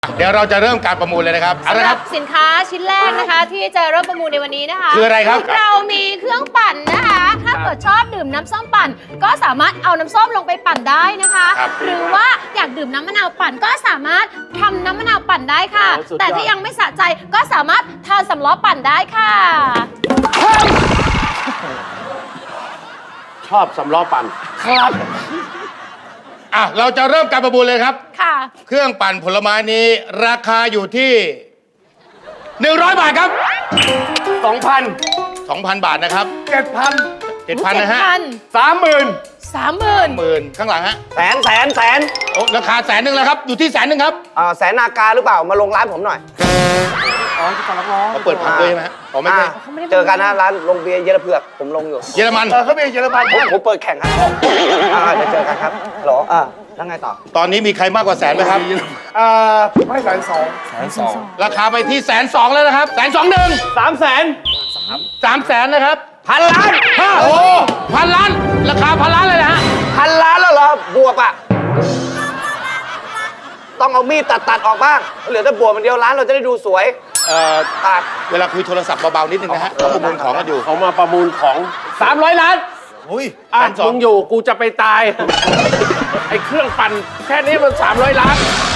เดี๋ยวเราจะเริ่มการประมูลเลยนะครับเอาสำละหครัรับบ สินค้าชิ้นแรกนะคะ ที่จะเริ่มประมูลในวันนี้นะคะคืออะไรครับเรามีเครื่องปั่นนะคะ ถ้าเกิดชอบดื่มน้ำส้มปั่น ก็สามารถเอาน้ำส้มลงไปปั่นได้นะคะครับหรือว่าอยากดื่มน้ำมะนาวปั่นก็สามารถทำน้ำมะนาวปั่นได้ค่ะ แต่ถ้ายังไม่สะใจก็สามารถทานสำล้อปั่นได้ค่ะชอบสำล้อปั่นครับอ่ะเราจะเริ่มการประมูลเลยครับค่ะเครื่องปั่นผลไม้นี้ราคาอยู่ที่100 บาทครับ 2,000 2,000 บาทนะครับ 7,000 7,000 นะฮะ 30,000 30,000 10,000ข้างหลังฮะแสนโอ้ราคา100,000แล้วครับอยู่ที่100,000ครับแสนนากาหรือเปล่ามาลงร้านผมหน่อยเขาเปิดผับด้วยใช่ไหมฮะอ๋อไม่ใช่เจอกันนะร้านลงเบียร์เยลเผือกผมลงอยู่เยอรมันเขาเป็นเยอรมันผมเปิดแข่งครับเดี๋ยวเจอกันครับหรอแล้วไงต่อตอนนี้มีใครมากกว่าแสนไหมครับผมให้1,200,000 ราคาไปที่120,000แล้วนะครับ121,000 300,000 300,000นะครับพันล้านโอ้1,000,000,000ราคา1,000,000,000เลยนะฮะพันล้านแล้วเหรอบวบอ่ะต้องเอามีดตัดออกบ้างเหลือแต่บวบมันเดียวร้านเราจะได้ดูสวยตัดเวลาคุยโทรศัพท์เบาๆนิดนึงนะฮะเขาประมูลของกันอยู่เขามาประมูลของ 300 ล้านอุ้ยอ่ะ 120,000 มึงอยู่กูจะไปตาย ไอ้เครื่องปั่นแค่นี้มัน300 ล้าน